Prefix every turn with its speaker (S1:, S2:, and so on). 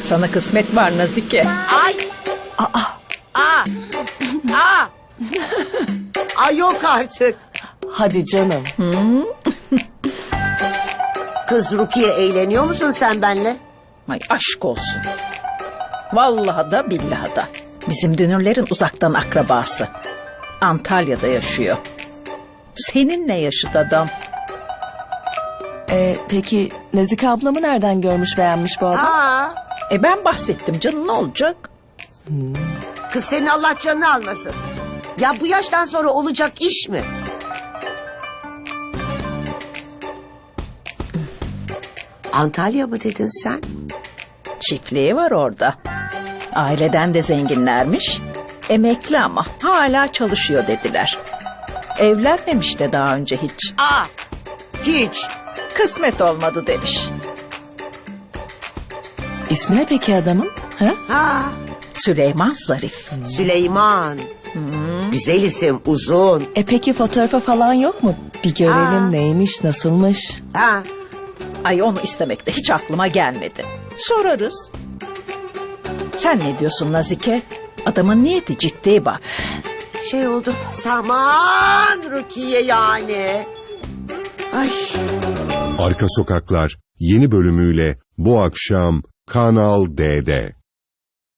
S1: Sana kısmet var Nazike.
S2: Ay. Ay yok artık.
S3: Hadi canım.
S2: Kız Rukiye, eğleniyor musun sen benle?
S1: Ay aşk olsun. Vallahi da billahi da. Bizim Dünürlerin uzaktan akrabası. Antalya'da yaşıyor. Seninle yaşıt adam.
S3: Peki Nazike ablamı nereden görmüş beğenmiş bu adam?
S2: Aa,
S1: Ben bahsettim canım, ne olacak?
S2: kız senin Allah canını almasın. Ya bu yaştan sonra olacak iş mi? Antalya mı dedin sen?
S1: Çiftliği var orada. Aileden de zenginlermiş. Emekli ama hala çalışıyor dediler. Evlenmemiş de daha önce hiç.
S2: Hiç.
S1: Kısmet olmadı demiş.
S3: İsmi ne peki adamın? Ha?
S2: Ha,
S1: Süleyman Zarif.
S2: Süleyman. Güzel isim, uzun.
S3: Peki fotoğrafı falan yok mu? Bir görelim
S2: Aa.
S3: neymiş, nasılmış?
S2: Ha,
S1: Ay onu istemek de hiç aklıma gelmedi. Sorarız. Sen ne diyorsun Nazike? Adamın niyeti ciddi bak.
S2: şey oldu. Saman Rukiye yani. Ay.
S4: Arka Sokaklar yeni bölümüyle bu akşam Kanal D'de.